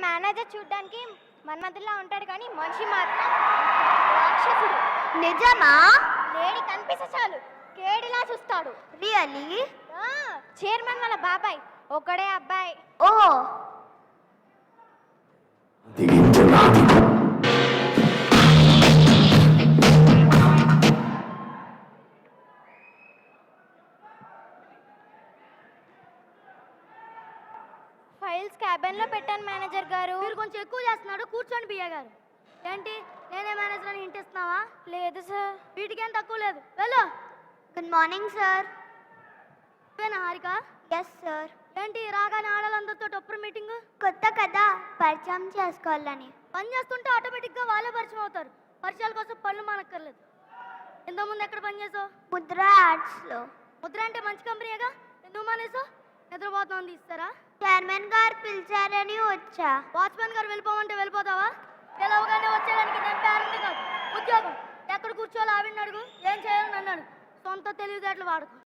Manager చూడ్డానికి మన్మధుల్లా ఉంటాడు కానీ మనిషి మాత్రం రాక్షసుడు. నిజమా? లేడి కనిపిస్తే చాలు కేడిలా చూస్తాడు. రియలీ? చైర్మన్ వాళ్ళ బాబాయ్ ఒకడే అబ్బాయి. ఓ ఫైల్స్ క్యాబిన్ లో పెట్టాను మేనేజర్ గారు. మీరు కొంచెం ఎక్కువ చేస్తున్నాడు. కూర్చోండి బియ్య గారు. ఏంటి నేనే మేనేజర్ అని ఇంటిస్తున్నావా? లేదు సార్. వీటికేం తక్కువ లేదు. వెళ్ళు. Good morning sir. Harika? Yes sir. ఏంటి రాగానే ఆడాలందరితో టొప్పర్ మీటింగ్? కొత్త కదా, పరిచయం చేసుకోవాలని. పని చేస్తుంటే ఆటోమేటిక్గా వాళ్ళే పరిచయం అవుతారు. పరిచయాల కోసం పనులు మానక్కర్లేదు. ఇంతకుముందు ఎక్కడ పని చేసావు? ముద్ర యాడ్స్లో. ముద్ర అంటే మంచి కంపెనీగా, ఎందుకు మానేసావు? నిద్రపోతామని తీస్తారా? చైర్మన్ గారు పిలిచారని వచ్చా. వాచ్మెన్ గారు వెళ్ళిపోమంటే వెళ్ళిపోతావా? పిలవగానే వచ్చేదానికి నేను పేరెంట్ కాదు. ఉద్యోగం ఎక్కడ కూర్చోవాలో ఆవిడని అడుగు, ఏం చేయాలని అన్నాడు. సొంత తెలివితేటలు వాడుకో.